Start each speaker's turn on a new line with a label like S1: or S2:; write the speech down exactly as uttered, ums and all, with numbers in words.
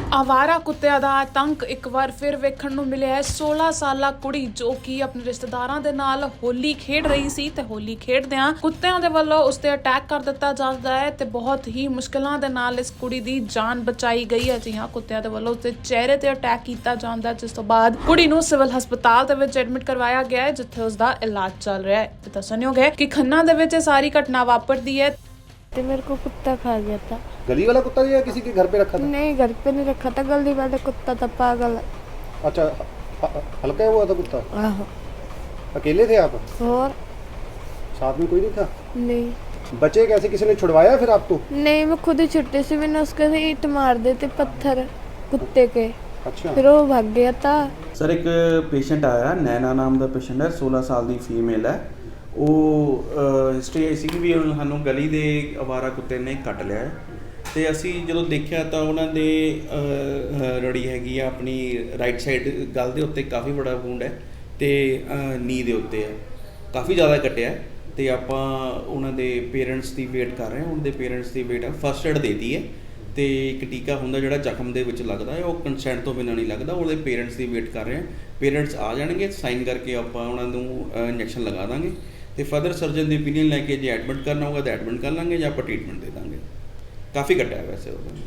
S1: ਆਵਾਰਾ ਕੁੱਤਿਆਂ ਦਾ ਆਤੰਕ ਇੱਕ ਵਾਰ ਫਿਰ ਵੇਖਣ ਨੂੰ ਮਿਲਿਆ ਹੈ। सोलह ਸਾਲਾ ਕੁੜੀ ਜੋ ਕਿ ਆਪਣੇ ਰਿਸ਼ਤੇਦਾਰਾਂ ਦੇ ਨਾਲ ਹੋਲੀ ਖੇਡ ਰਹੀ ਸੀ ਤੇ ਹੋਲੀ ਖੇਡਦਿਆਂ ਕੁੱਤਿਆਂ ਦੇ ਵੱਲੋਂ ਉਸ ਤੇ ਅਟੈਕ ਕਰ ਦਿੱਤਾ ਜਾਂਦਾ ਹੈ ਤੇ ਬਹੁਤ ਹੀ ਮੁਸ਼ਕਲਾਂ ਦੇ ਨਾਲ ਇਸ ਕੁੜੀ ਦੀ ਜਾਨ ਬਚਾਈ ਗਈ ਹੈ। ਜੀ ਹਾਂ, ਕੁੱਤਿਆਂ ਦੇ ਵੱਲੋਂ ਉਸਦੇ ਚਿਹਰੇ ਤੇ ਅਟੈਕ ਕੀਤਾ ਜਾਂਦਾ, ਜਿਸ ਤੋਂ ਬਾਅਦ ਕੁੜੀ ਨੂੰ ਸਿਵਲ ਹਸਪਤਾਲ ਦੇ ਵਿੱਚ ਐਡਮਿਟ ਕਰਵਾਇਆ ਗਿਆ ਹੈ, ਜਿੱਥੇ ਉਸ ਦਾ ਇਲਾਜ ਚੱਲ ਰਿਹਾ ਹੈ। ਤੇ ਦੱਸਣਯੋਗ ਹੈ ਕਿ ਖੰਨਾ ਦੇ ਵਿੱਚ ਇਹ ਸਾਰੀ घटना वापरती है।
S2: तो मेरे को कुत्ता खा गया था।
S3: गली वाला कुत्ता या किसी के घर पे रखा था?
S2: नहीं, घर पे नहीं रखा था, गली वाला कुत्ता था, पागल।
S3: अच्छा, ह- हल्का हुआ था कुत्ता?
S2: आहो।
S3: अकेले थे आप?
S2: और
S3: साथ में कोई नहीं था?
S2: नहीं
S3: बचे कैसे, किसी ने छुड़वाया फिर आपको?
S2: नहीं, मैं खुद ही छुट्टी से मैंने उसके से ईंट मार देते पत्थर कुत्ते के,
S3: अच्छा,
S2: फिर वो भाग गया था।
S4: सर एक पेशेंट आया, नैना नाम का पेशेंट है, सोलह साल की फीमेल है। ਉਹ ਹਿਸਟਰੀ ਆਈ ਸੀ ਵੀ ਸਾਨੂੰ ਗਲੀ ਦੇ ਅਵਾਰਾ ਕੁੱਤੇ ਨੇ ਕੱਟ ਲਿਆ ਹੈ ਤੇ ਅਸੀਂ ਜਦੋਂ ਦੇਖਿਆ ਤਾਂ ਉਹਨਾਂ ਦੇ ਰੜੀ ਹੈਗੀ ਆ ਆਪਣੀ ਰਾਈਟ ਸਾਈਡ ਗਲ ਦੇ ਉੱਤੇ ਕਾਫੀ ਬੜਾ ਵੂੰਡ ਹੈ ਤੇ ਨੀ ਦੇ ਉੱਤੇ ਹੈ, ਕਾਫੀ ਜ਼ਿਆਦਾ ਕੱਟਿਆ ਤੇ ਆਪਾਂ ਉਹਨਾਂ ਦੇ ਪੇਰੈਂਟਸ ਦੀ ਵੇਟ ਕਰ ਰਹੇ ਹਾਂ। ਉਹਨਾਂ ਦੇ ਪੇਰੈਂਟਸ ਦੀ ਵੇਟ ਫਸਟ ਏਡ ਦੇਤੀ ਹੈ ਤੇ ਇੱਕ ਟੀਕਾ ਹੁੰਦਾ ਜਿਹੜਾ ਜ਼ਖਮ ਦੇ ਵਿੱਚ ਲੱਗਦਾ ਹੈ, ਉਹ ਕੰਸੈਂਟ ਤੋਂ ਬਿਨਾਂ ਨਹੀਂ ਲੱਗਦਾ। ਉਹਦੇ ਪੇਰੈਂਟਸ ਦੀ ਵੇਟ ਕਰ ਰਹੇ ਹਾਂ। ਪੇਰੈਂਟਸ ਆ ਜਾਣਗੇ, ਸਾਈਨ ਕਰਕੇ ਆਪਾਂ ਉਹਨਾਂ ਨੂੰ ਇੰਜੈਕਸ਼ਨ ਲਗਾ ਦਾਂਗੇ ਤੇ ਫਰਦਰ ਸਰਜਨ ਦੀ ਓਪੀਨੀਅਨ ਲੈ ਕੇ ਜੇ ਐਡਮਿਟ ਕਰਨਾ ਹੋਗਾ ਤਾਂ ਐਡਮਿਟ ਕਰ ਲਾਂਗੇ ਜਾਂ ਆਪਾਂ ਟ੍ਰੀਟਮੈਂਟ ਦੇ ਦਾਂਗੇ। ਕਾਫੀ ਘਟਿਆ ਵੈਸੇ ਉਹਦਾ।